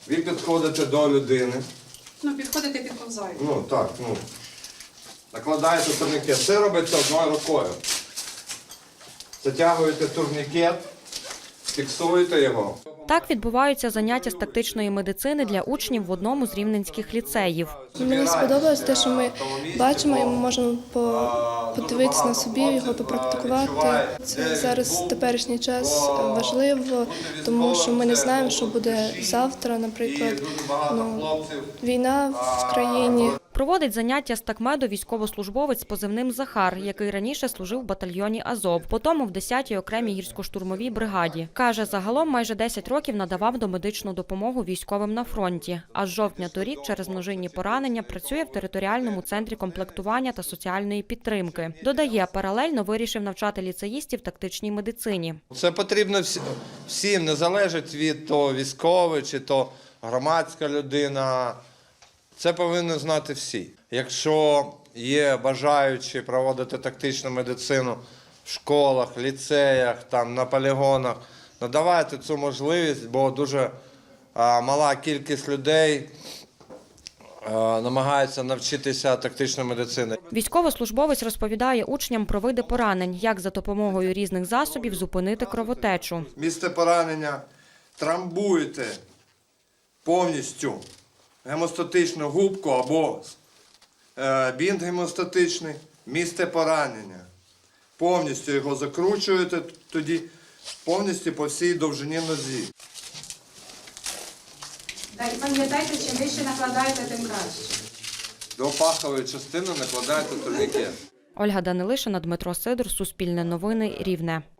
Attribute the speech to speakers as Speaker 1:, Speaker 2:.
Speaker 1: Ви підходите до людини.
Speaker 2: Підходите, підповзаєте.
Speaker 1: Так. Накладаєте турнікет. Це робиться одною рукою. Затягуєте турнікет, фіксуєте його.
Speaker 3: Так відбуваються заняття з тактичної медицини для учнів в одному з рівненських ліцеїв.
Speaker 4: Мені сподобалось те, що ми бачимо і ми можемо подивитися на собі, його попрактикувати. Це зараз в теперішній час важливо, тому що ми не знаємо, що буде завтра, наприклад, війна в країні.
Speaker 3: Проводить заняття з такмеду військовослужбовець з позивним Захар, який раніше служив в батальйоні Азов, потім в 10-й окремій гірсько-штурмовій бригаді. Каже, загалом майже 10 років надавав домедичну допомогу військовим на фронті. А з жовтня торік через множинні поранення працює в територіальному центрі комплектування та соціальної підтримки. Додає, паралельно вирішив навчати ліцеїстів тактичній медицині.
Speaker 1: Це потрібно всім, не залежить від того військовий чи то громадська людина. Це повинні знати всі. Якщо є бажаючі проводити тактичну медицину в школах, ліцеях, на полігонах, надавайте цю можливість, бо дуже мала кількість людей намагаються навчитися тактичної медицини.
Speaker 3: Військовослужбовець розповідає учням про види поранень, як за допомогою різних засобів зупинити кровотечу.
Speaker 1: Місце поранення трамбуєте повністю гемостатичну губку або бінт гемостатичний, місце поранення. Повністю його закручуєте тоді повністю по всій довжині нозі.
Speaker 2: І пам'ятайте, чим вище накладаєте, тим краще.
Speaker 1: До пахової частини накладаєте турнікет.
Speaker 3: Ольга Данилишина, Дмитро Сидор, Суспільне новини, Рівне.